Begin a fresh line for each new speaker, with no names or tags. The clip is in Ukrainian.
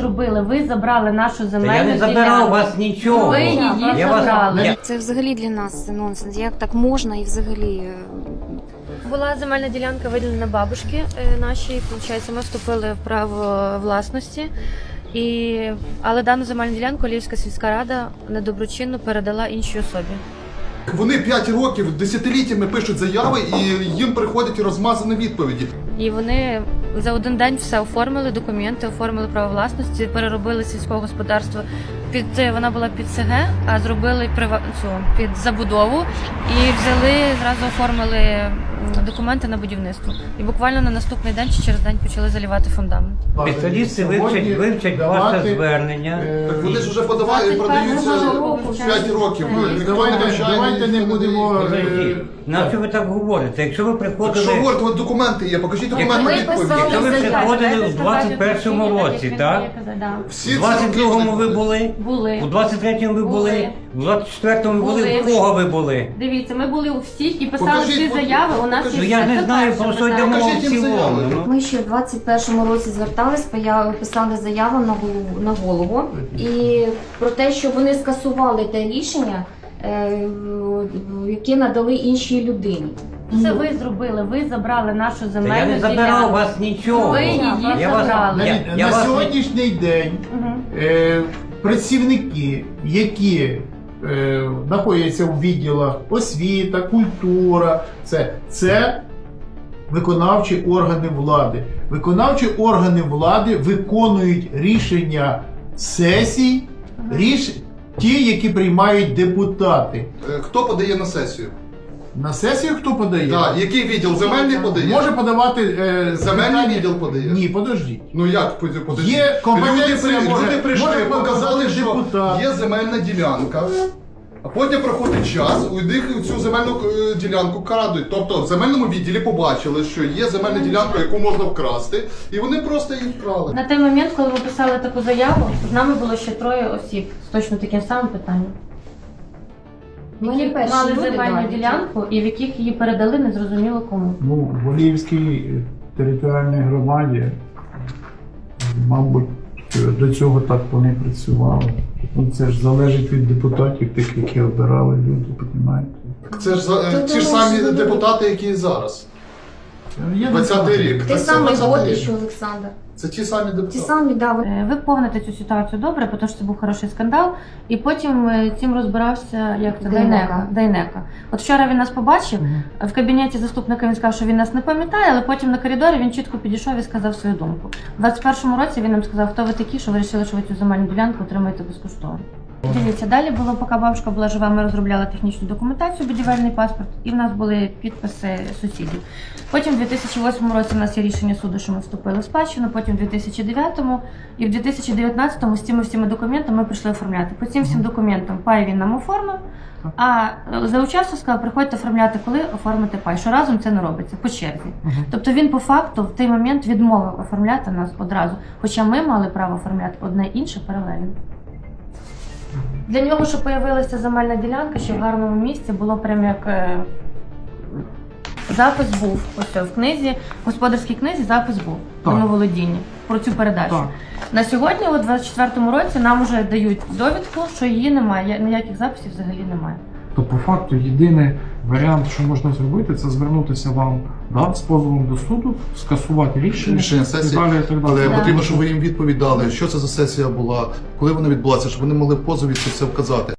зробили? Ви забрали нашу земельну
Я не забирав у вас нічого.
Ви її забрали.
Це взагалі для нас нонсенс. Як так можна і взагалі.
Була земельна ділянка виділена бабушки нашій. Получається, ми вступили в право власності. Але дану земельну ділянку Львівська сільська рада недоброчинно передала іншій особі.
Вони 5 років, десятиліттями пишуть заяви і їм приходять розмазані відповіді.
І вони за один день все оформили, документи, оформили право власності, переробили сільського господарства. Вона була під СГ, а зробили під забудову і взяли, зразу оформили документи на будівництво. І буквально на наступний день чи через день почали заливати фундамент.
Спеціалісти вивчать ваше звернення.
Так вони ж вже подавали і продаються 5 років. Ніхто не вивчає.
Давайте не будемо.
На що ви так говорите? Якщо ви приходили...
Що говорите, от документи є, покажіть документи
Ми
відповіді.
писали
Якщо ви
заяву.
приходили у 21-му році, так?
Всі
У 22-му ви були?
Були.
У 23-му ви були? У 24-му ви були?
Були.
У кого ви були?
Дивіться, ми були у всіх і писали
Покажіть,
всі заяви. У нас
Ну
є
я
все.
не
Це
знаю,
перше
про що йде
питання.
мова в
Покажіть їм
цілому.
заяви.
ну.
Ми ще в 21-му році звертались, писали заяву на голову і про те, що вони скасували те рішення, яке надали іншій людині.
Це ви зробили. Ви забрали нашу земельну
Я не
ділянку.
забирав у вас нічого.
Ви її
Я вас-
забрали.
я
На
вас-
сьогоднішній день працівники, які знаходяться у відділах освіта, культура, це виконавчі органи влади. Виконавчі органи влади виконують рішення сесій, ті, які приймають депутати.
Хто подає на сесію?
На сесію хто подає?
Так, який відділ? Земельний подає?
Може подавати
Земельний відділ подає?
Ні, подождіть.
Ну як подає?
Є компетенція,
Люди прийшли,
може
показали, що
депутат.
є земельна ділянка. А потім проходить час, у них цю земельну ділянку крадуть. Тобто в земельному відділі побачили, що є земельна ділянка, яку можна вкрасти, і вони просто її вкрали.
На той момент, коли ви писали таку заяву, з нами було ще 3 осіб з точно таким самим питанням.
Ми не
Які
перші
мали
люди,
земельну
да.
ділянку і в яких її передали незрозуміло кому.
Ну, в Олівській територіальній громаді, мабуть, до цього так вони працювали. Ну, це ж залежить від депутатів, тих, які обирали люди, розумієте?
Це ж ті ж самі депутати, які і зараз.
Я не
20-й
знаю.
рік.
Той
Це
самий
20-й
год,
рік.
що Олександр.
Це ті самі
Ті
депутати.
самі, да.
Ви помните цю ситуацію добре, тому що це був хороший скандал. І потім цим розбирався як це Дейнека. От вчора він нас побачив в кабінеті заступника. Він сказав, що він нас не пам'ятає, але потім на коридорі він чітко підійшов і сказав свою думку. У 21-му році він нам сказав, хто ви такі, що ви вирішили, що ви цю земельну ділянку отримаєте безкоштовно. Дивіться, далі було, поки бабушка була жива, ми розробляли технічну документацію, будівельний паспорт, і в нас були підписи сусідів. Потім в 2008 році в нас є рішення суду, що ми вступили в спадщину, потім в 2009-му і в 2019-му з цими всіма документами ми прийшли оформляти. По цим всім документам пай він нам оформив, а за учасу сказав, приходьте оформляти, коли оформите пай, що разом це не робиться, по черзі. Тобто він по факту в той момент відмовив оформляти нас одразу, хоча ми мали право оформляти одне інше паралельно. Для нього, щоб з'явилася земельна ділянка, ще в гарному місці, було прям як запис був. Ось в книзі, в господарській книзі запис був домоволодіння про цю передачу.
Так.
На сьогодні, у 24-му році, нам вже дають довідку, що її немає, ніяких записів взагалі немає.
То по факту єдиний варіант, що можна зробити, це звернутися вам з позовом до суду, скасувати рішення
Рішення сесії.
і так далі, і так далі.
Але
Да.
потрібно, щоб ви їм відповідали, що це за сесія була, коли вона відбулася, щоб вони могли в позові це все вказати.